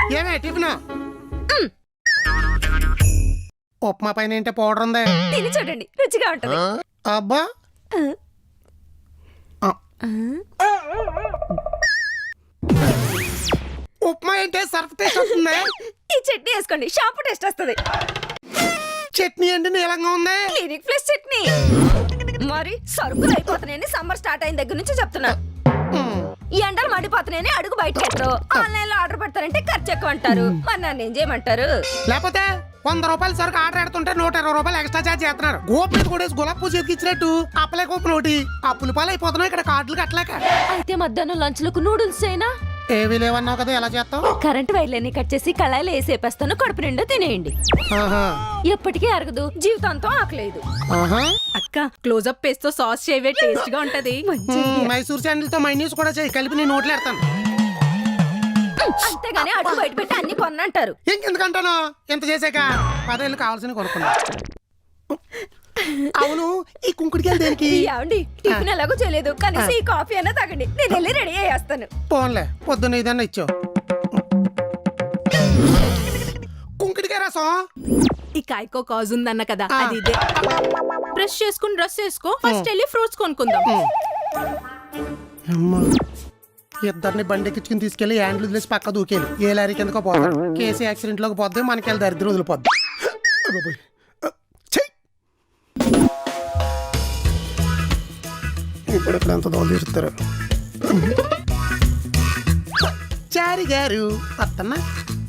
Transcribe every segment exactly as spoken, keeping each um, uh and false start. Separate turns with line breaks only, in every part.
ఏమే టిఫిన్ ఉప్మా పైన ఏంటో పౌడర్ ఉంది,
తిని చూడండి, రుచిగా ఉంటది.
అబ్బా ఉప్మా ఏంటే సర్ఫ్ టేస్ట్ వస్తుంది.
ఈ చట్నీ వేసుకోండి, షాంపూ టేస్ట్ వస్తుంది.
చట్నీ ఏంటి నీలంగా ఉంది.
Clinic Plus chutney. మరి సరుకులు అయిపోతున్నాయని సమ్మర్ స్టార్ట్ అయిన దగ్గర నుంచి చెప్తున్నా. ఈ ఎండలు మండిపోతున్నాయని అడుగు బయట పెట్టరు. ఆన్లైన్ లో ఆర్డర్ పెడతారంటే ఖర్చు ఎక్కువ అంటారు. మరి నన్ను ఏం చేయమంటారు?
లేకపోతే వంద రూపాయలు సరుకు ఆర్డర్ పెడుతుంటే నూట ఇరవై రూపాయలు ఎక్స్ట్రా చార్జ్ చేస్తున్నారు. గోపు కూడా గులాబ్ పూజ ఇచ్చినట్టు అప్పలే గోపు నోటి అప్పుల పాలు అయిపోతున్నాయి ఇక్కడ కార్డులు కట్టలేక.
అయితే మధ్యాహ్నం లంచ్ లకు నూడిల్స్ అయినా
ఏవి లేవన్నావు కదా, ఎలా చేస్తావు?
కరెంట్ వైర్లన్నీ కట్ చేసి కళాయిలు వేసేపేస్తాను, కడుపు నిండా తినేయండి. ఎప్పటికీ అరగదు, జీవితాంతం ఆకలేదు. అక్క క్లోజప్ పేస్ట్ తో సాస్ చేయవే, టేస్ట్ గా ఉంటది.
మైసూర్ శాండిల్ తో మైనీస్ కూడా చేయి, కలిపి నేను నోట్లు ఎడతాను.
అంతేగాని అడుగు బయట పెట్టి అన్ని కొన్నంటారు.
ఇంకెందుకంటాను, ఇంత చేసాక పదేళ్ళు కావాల్సిన కొనుక్కున్నా. అవును, ఈ కుంకుడికాయలు దేనికి?
ఏమండి, టిఫిన్ ఎలాగో చేయలేదు, కనీసం ఈ కాఫీ అయినా తాగండి, నేను వెళ్ళి రెడీ అయ్యేస్తాను.
పోన్లే, పొద్దున్న ఇదన్నా ఇచ్చావు. కుంకుడికాయ రసం
ఈ కాయకో కాజ్ ఉందన్న కదా, అది ఇదే. బ్రష్ చేసుకుని డ్రెస్ వేసుకో, ఫస్ట్ వెళ్ళి ఫ్రూట్స్ కొనుక్కుందాం.
ఇద్దరిని బండెక్కించుకుని తీసుకెళ్లి హ్యాండ్లు వదిలేసి పక్క దూకేది. ఏ లారీ కిందకో పోతాడు. కేసు యాక్సిడెంట్ లోకి పోద్ది, మనకి వెళ్ళి దరిద్రం వదిలిపోద్ది. ఇప్పుడు ఇప్పుడు ఎంత దోలు తీరుతారు. చారి గారు అత్తన్నా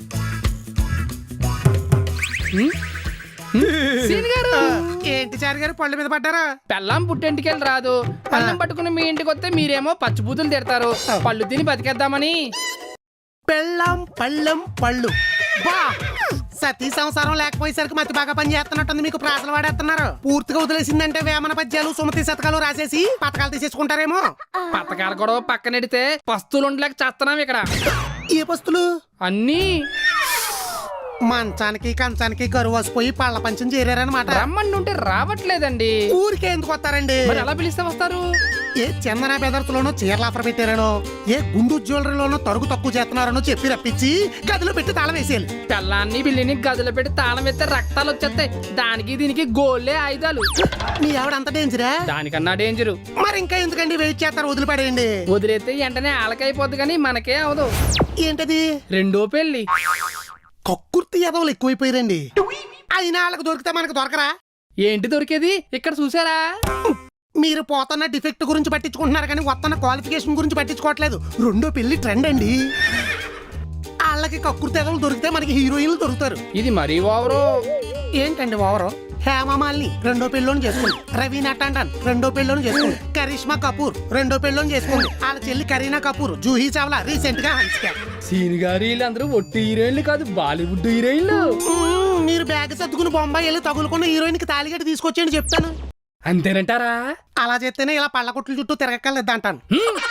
ఏంటి చారి గారు పళ్ళ మీద పడ్డారా?
పెళ్ళాం పుట్టింటికెళ్ళి రాదు, పళ్ళం పట్టుకుని మీ ఇంటికి వస్తే మీరేమో పచ్చిబూతులు తిడతారు. పళ్ళు తిని బతికేద్దామని.
పెళ్ళాం పళ్ళెం పళ్ళు బా సతీ సంసారం లేకపోయేసరికి మతి బాగా పని చేస్తున్నట్టుంది. మీకు ప్రాసలు వాడేస్తున్నారు. పూర్తిగా వదిలేసిందంటే వేమన పద్యాలు సుమతి శతకాలు రాసేసి పథకాలు తీసేసుకుంటారేమో.
పథకాలు కూడా పక్కనెడితే పస్తులు ఉండలేక చేస్తున్నాం ఇక్కడ.
ఏ పస్తులు?
అన్నీ
మంచానికి కంచానికి కరువు వసిపోయి పళ్ళ పంచం చేరారనమాట.
రమ్మండి ఉంటే రావట్లేదండి.
ఊరికే ఎందుకు వస్తారండి?
మరి ఎలా పిలిస్తే వస్తారు?
ఏ చందన బెదర్తలోనో చీరలు ఆఫర్ పెట్టారనో, ఏ గుండు జ్యువెలరీలోనో తరుగు తక్కువ చేస్తున్నారనో చెప్పి రప్పించి గదిలో పెట్టి తాళం వేసేయాలి.
పిల్లాన్ని పిల్లిని గదిలో పెట్టి తాళం వేస్తే రక్తాలు వచ్చేస్తాయి. దానికి దీనికి గోళ్ళే ఆయుధాలు.
మీ ఆవిడ అంత డేంజరా?
దానికన్నా డేంజరు.
మరి ఇంకా ఎందుకండి వెయిట్ చేస్తారు? వదిలిపడేయండి.
వదిలేస్తే వెంటనే ఆలకైపోద్ది, కానీ మనకే అవదు.
ఏంటది?
రెండో పెళ్లి.
కక్కుర్తి ఎదవలు ఎక్కువైపోయారండి. అయినా వాళ్ళకి దొరికితే మనకు దొరకరా?
ఏంటి దొరికేది? ఇక్కడ చూసారా?
మీరు పోతున్న డిఫెక్ట్ గురించి పట్టించుకుంటున్నారు కానీ వస్తున్న క్వాలిఫికేషన్ గురించి పట్టించుకోవట్లేదు. రెండో పెళ్లి ట్రెండ్ అండి. వాళ్ళకి కక్కుర్తి ఎదవలు దొరికితే మనకి హీరోయిన్లు దొరుకుతారు.
ఇది మరీ ఓవరు.
ఏంటండి ఓవరు? హేమమాలిని రెండో పెళ్ళోని చేసుకోండి. రవీనా టండన్ రెండో పెళ్ళోని చేసుకోండి. కరిష్మా కపూర్ రెండో పెళ్ళోని చేసుకోండి. వాళ్ళ చెల్లి కరీనా కపూర్, జూహీ చావ్లా రీసెంట్ గా హన్స్కా.
సీన్ గారు వీళ్ళందరూ ఒట్టి హీరోయిన్లు కాదు, బాలీవుడ్ హీరోయిన్లు.
మీరు బ్యాగ్ సర్దుకుని బొంబాయి వెళ్ళి తగులుకున్న హీరోయిన్ కి తాలిగట్టి తీసుకొచ్చేయండి చెప్తాను.
అంతేనంటారా?
అలా చేస్తేనే ఇలా పళ్ళ కొట్లు చుట్టూ తిరగక్కర్లేదు అంటాను.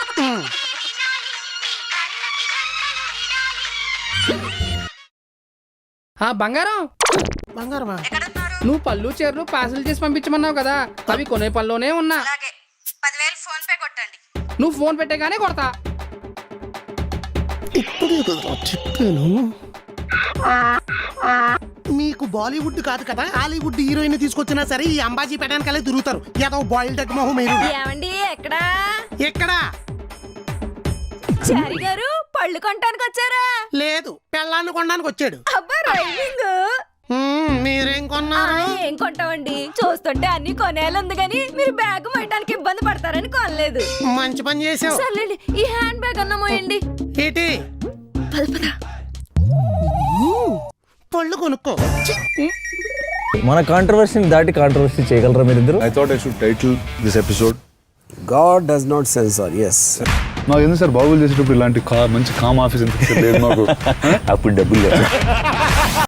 ఆ బంగారం
బంగారమా?
నువ్వు పళ్ళు చీరలు పార్సల్ చేసి పంపించమన్నావు కదా, అవి కొనే పనిలోనే ఉన్నా.
ఫోన్ పే కొట్టండి.
నువ్వు ఫోన్ పెట్టేగానే కొడతా.
ఇప్పుడే చెప్పాను. మీకు బాలీవుడ్ కాదు కదా, హాలీవుడ్ హీరోయిన్ తీసుకొచ్చినా సరే ఈ అంబాజీ పెట్టడానికలే తిరుగుతారు. ఏదో బాయిల్డ్ ఎగ్ మొహం మీరు.
ఏమండి ఎక్కడా?
ఎక్కడా?
చారి గారు పళ్ళు కొనడానికి వచ్చారా?
లేదు, పెళ్ళాన్ని కొనడానికి వచ్చాడు.
అబ్బా రైమింగ్.
మీరేం కొన్నారు?
ఏం కొంటామండి, చూస్తుంటే అన్ని కొనేయాలి గానీ మీరు బ్యాగ్ మోయడానికి ఇబ్బంది పడతారని కొనలేదు.
మంచి పని చేసావు.
సర్లేండి, ఈ హ్యాండ్ బ్యాగ్ అన్న మోయండి.
ఏంటి?
పల్పదా
పళ్ళు కొనుక్కో.
మన కాంట్రవర్సీని దాటి కాంట్రవర్సీ చేయగలరా మీరిద్దరు?
I thought I should title this episode
God does not censor. Yes.
నాకు ఎందుకు సార్ బాగులు చేసేటప్పుడు ఇలాంటి కా మంచి కామ్ ఆఫీస్ ఎంత లేదు నాకు.
అప్పుడు డబ్బులు లేదు.